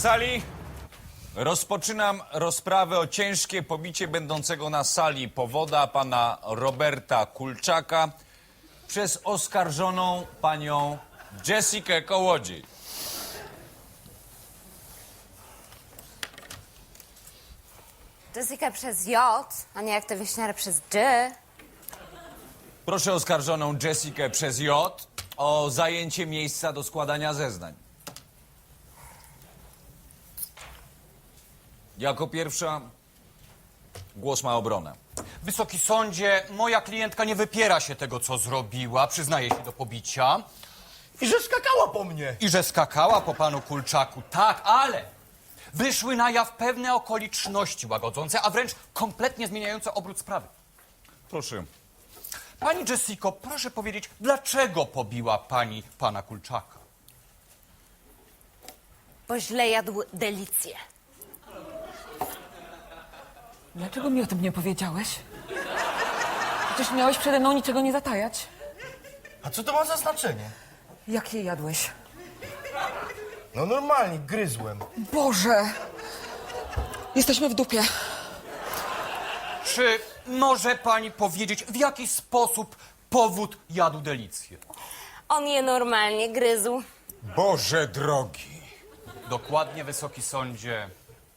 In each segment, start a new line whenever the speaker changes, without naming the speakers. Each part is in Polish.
sali. Rozpoczynam rozprawę o ciężkie pobicie będącego na sali powoda pana Roberta Kulczaka przez oskarżoną panią Jessikę Kołodziej.
Jessica przez J, a nie jak te wieśniary przez G.
Proszę oskarżoną Jessikę przez J o zajęcie miejsca do składania zeznań. Jako pierwsza głos ma obrona.
Wysoki sądzie, moja klientka nie wypiera się tego, co zrobiła, przyznaje się do pobicia
I że skakała po mnie.
i że skakała po panu Kulczaku. Tak, ale wyszły na jaw pewne okoliczności łagodzące, a wręcz kompletnie zmieniające obrót sprawy.
Proszę.
Pani Jessico, proszę powiedzieć, dlaczego pobiła pani pana Kulczaka?
Bo źle jadł delicję.
Dlaczego mi o tym nie powiedziałeś? Przecież miałeś przede mną niczego nie zatajać.
A co to ma za znaczenie?
Jak je jadłeś?
No normalnie, gryzłem.
Boże! Jesteśmy w dupie.
Czy może pani powiedzieć, w jaki sposób powód jadł delicję?
On je normalnie gryzł.
Boże drogi.
Dokładnie, wysoki sądzie.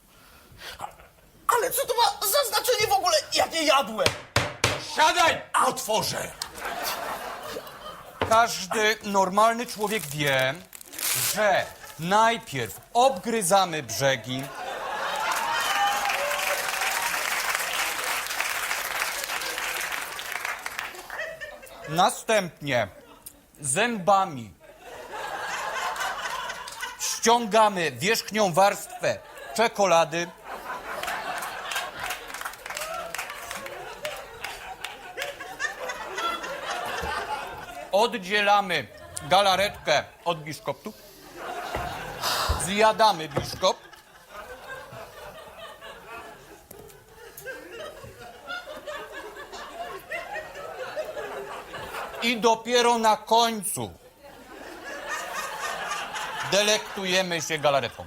Ale co to ma za znaczenie w ogóle, jak je jadłem?
Siadaj, otworzę.
Każdy normalny człowiek wie, że najpierw obgryzamy brzegi, następnie zębami ściągamy wierzchnią warstwę czekolady, oddzielamy galaretkę od biszkoptu, zjadamy biszkopt, i dopiero na końcu delektujemy się galaretką.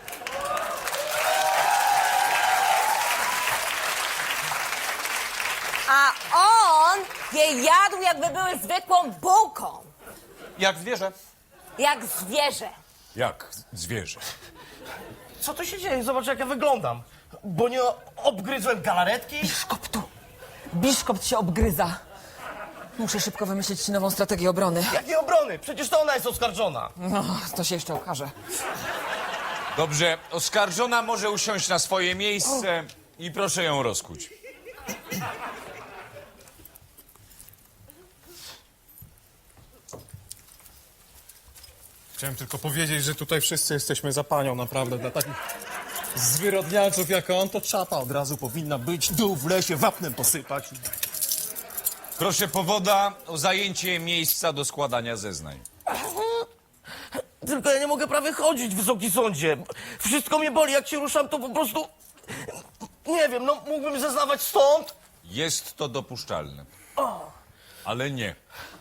A on je jadł, jakby były zwykłą bułką.
Jak zwierzę.
Jak zwierzę.
Jak zwierzę.
Co tu się dzieje? Zobacz, jak ja wyglądam. Bo nie obgryzłem galaretki?
Biszkoptu! Biszkopt się obgryza. Muszę szybko wymyślić ci nową strategię obrony.
Jakiej obrony? Przecież to ona jest oskarżona.
No, to się jeszcze okaże.
Dobrze, oskarżona może usiąść na swoje miejsce i proszę ją rozkuć.
Chciałem tylko powiedzieć, że tutaj wszyscy jesteśmy za panią, naprawdę. Dla takich zwyrodnialców jak on, to czapa od razu powinna być. Dół w lesie, wapnem posypać.
Proszę powoda o zajęcie miejsca do składania zeznań.
Tylko ja nie mogę prawie chodzić, wysoki sądzie. Wszystko mnie boli, jak się ruszam, to po prostu... Nie wiem, no mógłbym zeznawać stąd?
Jest to dopuszczalne. Ale nie.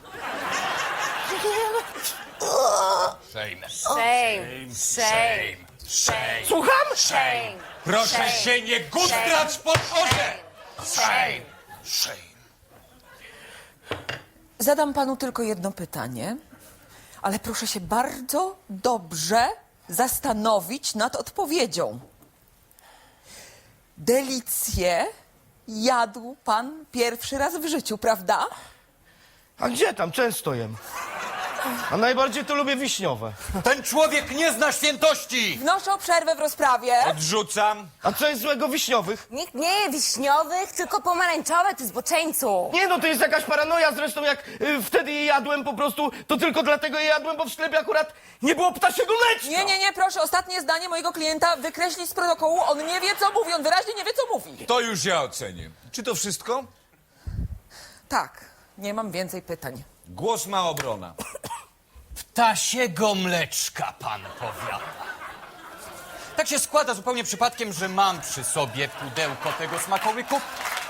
Shame.
Shame. Shame. Shame.
Słucham?
Shame.
Proszę się nie guzdrać po orze!
Shame.
Shame.
Zadam panu tylko jedno pytanie, ale proszę się bardzo dobrze zastanowić nad odpowiedzią. Delicję jadł pan pierwszy raz w życiu, prawda?
A gdzie tam? Często jem. A najbardziej to lubię wiśniowe.
Ten człowiek nie zna świętości!
Wnoszę o przerwę w rozprawie.
Odrzucam.
A co jest złego w wiśniowych?
Nikt nie je wiśniowych, tylko pomarańczowe, ty zboczeńcu.
Nie no, to jest jakaś paranoja, zresztą jak wtedy je jadłem po prostu, to tylko dlatego je jadłem, bo w sklepie akurat nie było ptasiego mleczka.
Nie, proszę, ostatnie zdanie mojego klienta wykreślić z protokołu. On nie wie, co mówi, on wyraźnie nie wie, co mówi.
To już ja ocenię. Czy to wszystko?
Tak, nie mam więcej pytań.
Głos ma obrona.
Ptasiego mleczka, pan powiada. Tak się składa zupełnie przypadkiem, że mam przy sobie pudełko tego smakołyku.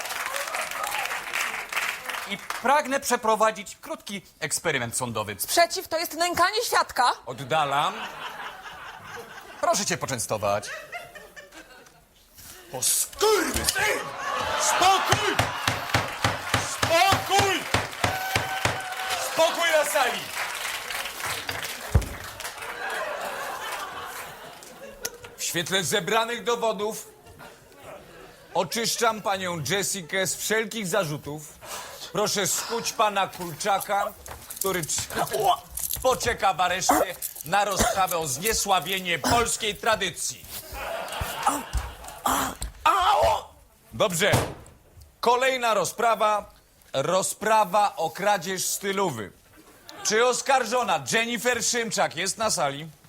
I pragnę przeprowadzić krótki eksperyment sądowy.
Sprzeciw to jest nękanie świadka.
Oddalam.
Proszę cię poczęstować.
O skurwysyn! Spokój! Spokój! Spokój na sali! W świetle zebranych dowodów oczyszczam panią Jessikę z wszelkich zarzutów. Proszę skuć pana Kulczaka, który poczeka w areszcie na rozprawę o zniesławienie polskiej tradycji. Dobrze. Kolejna rozprawa. Rozprawa o kradzież stylowy. Czy oskarżona Jennifer Szymczak jest na sali?